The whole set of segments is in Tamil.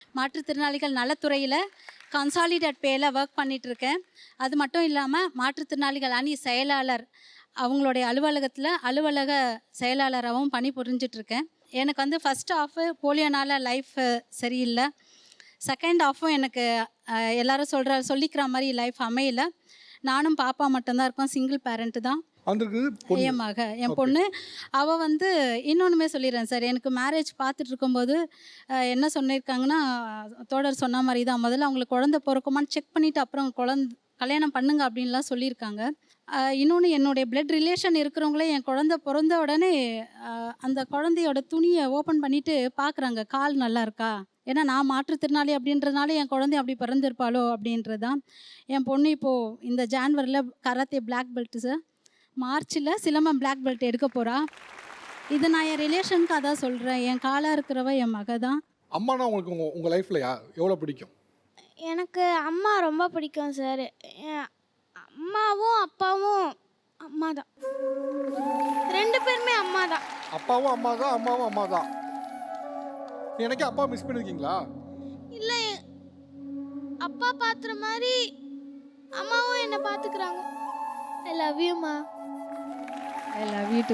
மாற்றுத்திறனாளிகள் நலத்துறையில் கன்சாலிடேட் பேயில் ஒர்க் பண்ணிகிட்ருக்கேன். அது மட்டும் இல்லாமல் மாற்றுத்திறனாளிகள் அணி செயலாளர் அவங்களுடைய அலுவலகத்தில் அலுவலக செயலாளராகவும் பணி புரிஞ்சிட்ருக்கேன். எனக்கு வந்து ஃபஸ்ட் ஹாஃபு போலியோனால் லைஃப் சரியில்லை. செகண்ட் ஹாஃபும் எனக்கு எல்லோரும் சொல்லிக்கிற மாதிரி லைஃப் அமையல. நானும் பாப்பா மட்டும்தான் இருக்கோம், சிங்கிள் பேரண்ட்டு தான். என் மக என் பொண்ணு அவள் வந்து இன்னொன்றுமே சொல்லிடுறேன் சார். எனக்கு மேரேஜ் பார்த்துட்டு இருக்கும்போது என்ன சொல்லியிருக்காங்கன்னா, தோழர் சொன்ன மாதிரி தான், முதல்ல அவங்களுக்கு குழந்தை பிறக்குமான்னு செக் பண்ணிவிட்டு அப்புறம் கல்யாணம் பண்ணுங்க அப்படின்லாம் சொல்லியிருக்காங்க. இன்னொன்று, என்னுடைய பிளட் ரிலேஷன் இருக்கிறவங்களே என் குழந்தை பிறந்த உடனே அந்த குழந்தையோட துணியை ஓப்பன் பண்ணிவிட்டு பார்க்குறாங்க, கால் நல்லா இருக்கா. ஏன்னா நான் மாற்றுத்திறனாளி அப்படின்றதுனால என் குழந்தை அப்படி பிறந்திருப்பாளோ அப்படின்றது தான். என் பொண்ணு இப்போது இந்த ஜான்வரியில் கராத்தே பிளாக் பெல்ட்டு சார், மார்ச்சில் சிலம்பம் பிளாக் பெல்ட் எடுக்க போகிறா. இது நான் என் ரிலேஷனுக்கு அதான் சொல்கிறேன். என் காலாக இருக்கிறவ என் மக தான். அம்மானா உங்களுக்கு உங்கள் லைஃப்பில் எவ்வளோ பிடிக்கும்? எனக்கு அம்மா ரொம்ப பிடிக்கும் சார். அம்மாவும் அப்பாவும் அம்மா தான், 2 பேருமே அம்மா தான். அப்பாவும் அம்மா தான், அம்மாவும் அம்மா தான். எனக்கே அப்பா மிஸ் பண்ணிருக்கீங்களா? இல்லை, அப்பா பார்த்துற மாதிரி அம்மாவும் என்னை பார்த்துக்கிறாங்க. ஐ லவ் யூ மா. I love you too.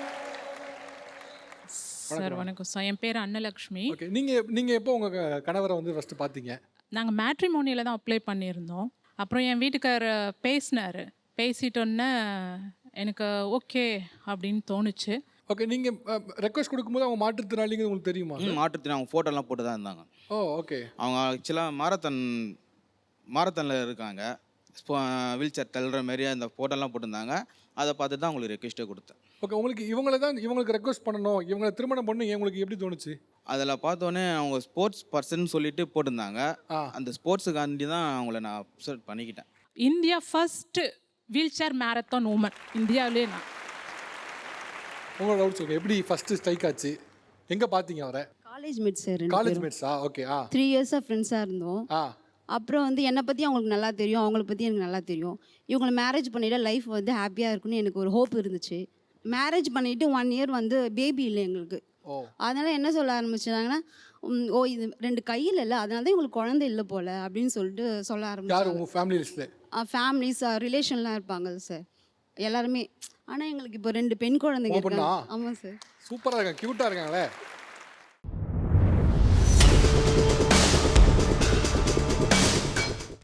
Sir வணக்கம் சார், என் பேர் அன்னலக்ஷ்மி. ஓகே, நீங்கள் எப்போ உங்கள் கணவரை வந்து ஃபஸ்ட்டு பார்த்தீங்க? நாங்கள் மேட்ரிமோனியில் தான் அப்ளை பண்ணியிருந்தோம். அப்புறம் என் வீட்டுக்காரர் பேசினார். பேசிட்டோன்னே எனக்கு ஓகே அப்படின்னு தோணுச்சு. ஓகே, நீங்கள் ரெக்வஸ்ட் கொடுக்கும்போது அவங்க மாற்றுத்திறனாளிங்கிறது உங்களுக்கு தெரியுமா? மாற்றுத்திறனாளி அவங்க ஃபோட்டோலாம் போட்டு தான் இருந்தாங்க. Oh okay. அவங்க ஆக்சுவலாக மாரத்தானில் இருக்காங்க. வீல் சேர் தள்ளுற மாதிரி அந்த ஃபோட்டோலாம் போட்டிருந்தாங்க. அதை பார்த்து தான் உங்களுக்கு ரெக்வஸ்ட்டே கொடுத்தேன். ஓகே, உங்களுக்கு இவங்களுக்கு ரெக்வஸ்ட் பண்ணணும், இவங்களை திருமணம் பண்ணணும், உங்களுக்கு எப்படி தோணுச்சு? அதில் பார்த்தோன்னே அவங்க ஸ்போர்ட்ஸ் பர்சன் சொல்லிட்டு போட்டிருந்தாங்க. அந்த ஸ்போர்ட்ஸுக்காண்டி தான் அவங்கள நான் அப்சர்ட் பண்ணிக்கிட்டேன். India first wheelchair marathon woman இந்தியாவிலே நான். உங்களோட டவுட் சொல்லுங்கள், எப்படி ஃபஸ்ட்டு ஸ்ட்ரைக் ஆச்சு? எங்கே பார்த்தீங்க அவரை? College mates sir. காலேஜ் மேட்ஸா? ஓகே. 3 இயர்ஸாக ஃப்ரெண்ட்ஸாக இருந்தோம். அப்புறம் வந்து என்னை பற்றி அவங்களுக்கு நல்லா தெரியும், அவங்கள பற்றி எனக்கு நல்லா தெரியும். இவங்களை மேரேஜ் பண்ணிவிட்டு லைஃப் வந்து ஹாப்பியாக இருக்குன்னு எனக்கு ஒரு ஹோப் இருந்துச்சு. மேரேஜ் பண்ணிவிட்டு 1 இயர் வந்து பேபி இல்லை எங்களுக்கு. அதனால் என்ன சொல்ல ஆரம்பிச்சாங்கன்னா, ஓ இது 2 கையில் இல்லை, அதனால தான் இவங்களுக்கு குழந்தை இல்லை போல் அப்படின்னு சொல்லிட்டு சொல்ல ஆரம்பிச்சாங்க. உங்கள் ஃபேமிலிஸில் ஃபேமிலிஸ் ரிலேஷன்லாம் இருப்பாங்க சார் எல்லாருமே. ஆனால் எங்களுக்கு இப்போ 2 பெண் குழந்தைங்க இருக்காங்க. ஆமாம் சார். சூப்பராக இருக்காங்க, க்யூட்டாக இருக்காங்களே.